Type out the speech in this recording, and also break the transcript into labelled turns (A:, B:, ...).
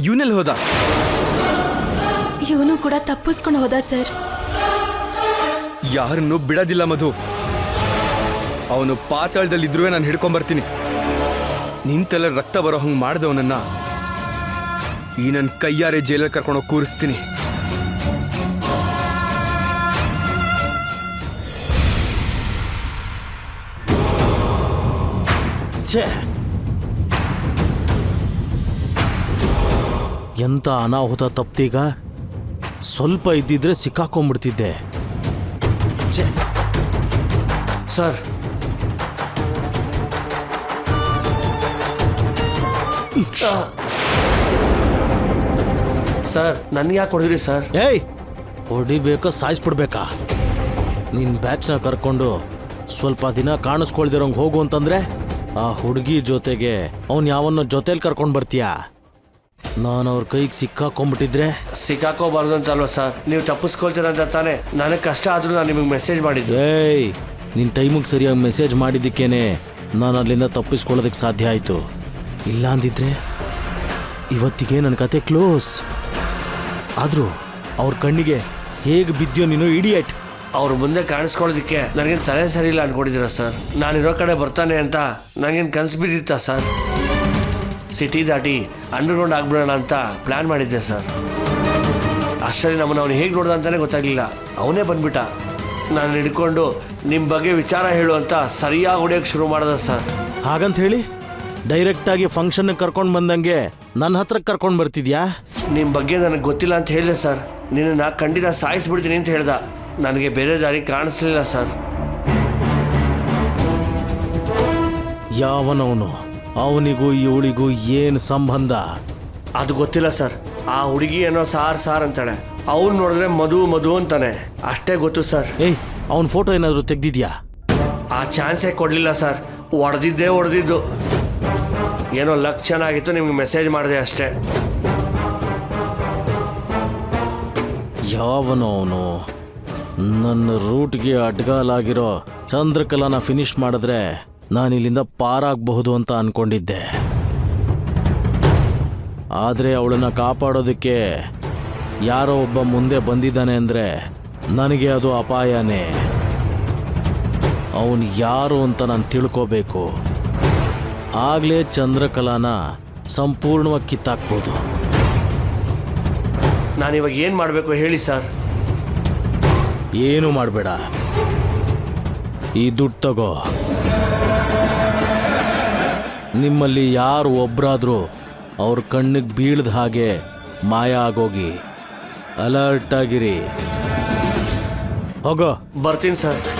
A: ಇವನೆಲ್ಲಿ ಹೋದ?
B: ಇವನು ಕೂಡ ತಪ್ಪಿಸ್ಕೊಂಡು ಹೋದ ಸರ್.
A: ಯಾರನ್ನು ಬಿಡೋದಿಲ್ಲ ಮಧು. ಅವನು ಪಾತಾಳದಲ್ಲಿದ್ರೂ ನಾನು ಹಿಡ್ಕೊಂಬರ್ತೀನಿ. ನಿಂತೆಲ್ಲ ರಕ್ತ ಬರೋ ಹಂಗೆ ಮಾಡಿದವನನ್ನ ಈ ನನ್ನ ಕೈಯಾರೆ ಜೈಲಲ್ಲಿ ಕರ್ಕೊಂಡೋಗಿ ಕೂರಿಸ್ತೀನಿ.
C: ಎಂತ ಅನಾಹುತ ತಪ್ತೀಗ. ಸ್ವಲ್ಪ ಇದ್ದಿದ್ರೆ ಸಿಕ್ಕಾಕೊಂಡ್ಬಿಡ್ತಿದ್ದೆ.
D: ಸರ್ ಸರ್ ನನ್ಗೆ ಯಾಕೆ ಹೊಡೆದ್ರಿ ಸರ್?
C: ಏಯ್, ಹೊಡಿಬೇಕಾ ಸಾಯಿಸ್ಬಿಡ್ಬೇಕಾ? ನಿನ್ನ ಬ್ಯಾಚ್ನ ಕರ್ಕೊಂಡು ಸ್ವಲ್ಪ ದಿನ ಕಾಣಿಸ್ಕೊಳ್ದಿರೋಂಗೆ ಹೋಗು ಅಂತಂದ್ರೆ ಆ ಹುಡುಗಿ ಜೊತೆಗೆ ಅವನು ಯಾವನ್ನೋ ಜೊತೆಲಿ ಕರ್ಕೊಂಡು ಬರ್ತೀಯಾ? ನಾನು ಅವ್ರ ಕೈಗೆ ಸಿಕ್ಕಾಕೊಂಡ್ಬಿಟ್ಟಿದ್ರೆ?
D: ಸಿಕ್ಕಾಕೋಬಾರ್ದು ಅಂತ ಅಲ್ವಾ ಸರ್ ನೀವು ತಪ್ಪಿಸ್ಕೊಳ್ತೀರ ಅಂತ ತಾನೇ ನನಗೆ ಕಷ್ಟ ಆದರೂ ನಾನು ನಿಮಗೆ ಮೆಸೇಜ್ ಮಾಡಿದ್ದೆ.
C: ಏಯ್, ನಿನ್ನ ಟೈಮಿಗೆ ಸರಿಯಾಗಿ ಮೆಸೇಜ್ ಮಾಡಿದ್ದಕ್ಕೇನೆ ನಾನು ಅಲ್ಲಿಂದ ತಪ್ಪಿಸ್ಕೊಳ್ಳೋದಕ್ಕೆ ಸಾಧ್ಯ ಆಯಿತು. ಇಲ್ಲ ಅಂದಿದ್ರೆ ಇವತ್ತಿಗೆ ನನ್ನ ಕತೆ ಕ್ಲೋಸ್. ಆದರೂ ಅವ್ರ ಕಣ್ಣಿಗೆ ಹೇಗೆ ಬಿದ್ದಿಯೋ ನೀನು ಇಡಿಯಟ್.
D: ಅವ್ರ ಮುಂದೆ ಕಾಣಿಸ್ಕೊಳ್ಳೋದಕ್ಕೆ ನನಗೇನು ತಲೆ ಸರಿ ಇಲ್ಲ ಅನ್ಕೊಂಡಿದ್ದೀರ ಸರ್? ನಾನಿರೋ ಕಡೆ ಬರ್ತಾನೆ ಅಂತ ನನಗೇನು ಕನಸು ಬಿದ್ದಿತ್ತಾ ಸರ್? ಸಿಟಿ ದಾಟಿ ಅಂಡರ್ಗ್ರೌಂಡ್ ಆಗ್ಬಿಡೋಣ ಅಂತ ಪ್ಲ್ಯಾನ್ ಮಾಡಿದ್ದೆ ಸರ್. ಅಷ್ಟರಲ್ಲಿ ನಮ್ಮನ್ನು ಅವನು ಹೇಗೆ ನೋಡ್ದ ಅಂತಲೇ ಗೊತ್ತಾಗಲಿಲ್ಲ. ಅವನೇ ಬಂದ್ಬಿಟ್ಟ. ನಾನು ಹಿಡ್ಕೊಂಡು ನಿಮ್ಮ ಬಗ್ಗೆ ವಿಚಾರ ಹೇಳು ಅಂತ ಸರಿಯಾಗಿ ಹೊಡೆಯೋಕ್ಕೆ ಶುರು ಮಾಡ್ದೆ ಸರ್.
C: ಹಾಗಂತ ಹೇಳಿ ಡೈರೆಕ್ಟಾಗಿ ಫಂಕ್ಷನ್ಗೆ ಕರ್ಕೊಂಡು ಬಂದಂಗೆ ನನ್ನ ಹತ್ರಕ್ಕೆ ಕರ್ಕೊಂಡು ಬರ್ತಿದ್ಯಾ?
D: ನಿಮ್ಮ ಬಗ್ಗೆ ನನಗೆ ಗೊತ್ತಿಲ್ಲ ಅಂತ ಹೇಳಿದೆ ಸರ್. ನಿನ್ನನ್ನು ಖಂಡಿತ ಸಾಯಿಸ್ಬಿಡ್ತೀನಿ ಅಂತ ಹೇಳ್ದ. ನನಗೆ ಬೇರೆ ದಾರಿ ಕಾಣಿಸ್ಲಿಲ್ಲ ಸರ್.
C: ಯಾವನವನು? ಅವನಿಗೂ ಇವಳಿಗೂ ಏನು ಸಂಬಂಧ?
D: ಅದು ಗೊತ್ತಿಲ್ಲ ಸರ್. ಆ ಹುಡುಗಿ ಏನೋ ಸಾರ್ ಅಂತಾಳೆ. ಅವ್ನು ನೋಡಿದ್ರೆ ಮಧು ಅಂತಾನೆ. ಅಷ್ಟೇ ಗೊತ್ತು ಸರ್.
C: ಏಯ್, ಅವನ ಫೋಟೋ ಏನಾದರೂ ತೆಗ್ದಿದ್ಯಾ?
D: ಆ ಚಾನ್ಸೇ ಕೊಡಲಿಲ್ಲ ಸರ್. ಹೊಡೆದಿದ್ದು ಏನೋ ಲಕ್ ಚೆನ್ನಾಗಿತ್ತು, ನಿಮ್ಗೆ ಮೆಸೇಜ್ ಮಾಡಿದೆ ಅಷ್ಟೇ.
C: ಯಾವನೋ ಅವನು? ನನ್ನ ರೂಟ್ಗೆ ಅಡ್ಗಾಲಾಗಿರೋ ಚಂದ್ರಕಲಾನ ಫಿನಿಶ್ ಮಾಡಿದ್ರೆ ನಾನು ಇಲ್ಲಿಂದ ಪಾರಾಗಬಹುದು ಅಂತ ಅನ್ಕೊಂಡಿದ್ದೆ. ಆದರೆ ಅವಳನ್ನು ಕಾಪಾಡೋದಕ್ಕೆ ಯಾರೋ ಒಬ್ಬ ಮುಂದೆ ಬಂದಿದ್ದಾನೆ ಅಂದರೆ ನನಗೆ ಅದು ಅಪಾಯನೇ. ಅವನು ಯಾರು ಅಂತ ನಾನು ತಿಳ್ಕೋಬೇಕು. ಆಗಲೇ ಚಂದ್ರಕಲಾನ ಸಂಪೂರ್ಣವಾಗಿ ಕಿತ್ತಾಕ್ಬೋದು.
D: ನಾನಿವಾಗ ಏನು ಮಾಡಬೇಕು ಹೇಳಿ ಸರ್?
C: ಏನು ಮಾಡಬೇಡ, ಈ ದುಡ್ಡು ತಗೋ. ನಿಮ್ಮಲ್ಲಿ ಯಾರು ಒಬ್ಬರಾದರೂ ಅವ್ರ ಕಣ್ಣಿಗೆ ಬೀಳ್ದ ಹಾಗೆ ಮಾಯ ಆಗೋಗಿ. ಅಲರ್ಟ್ ಆಗಿರಿ. ಹೋಗೋ.
D: ಬರ್ತೀನಿ ಸರ್.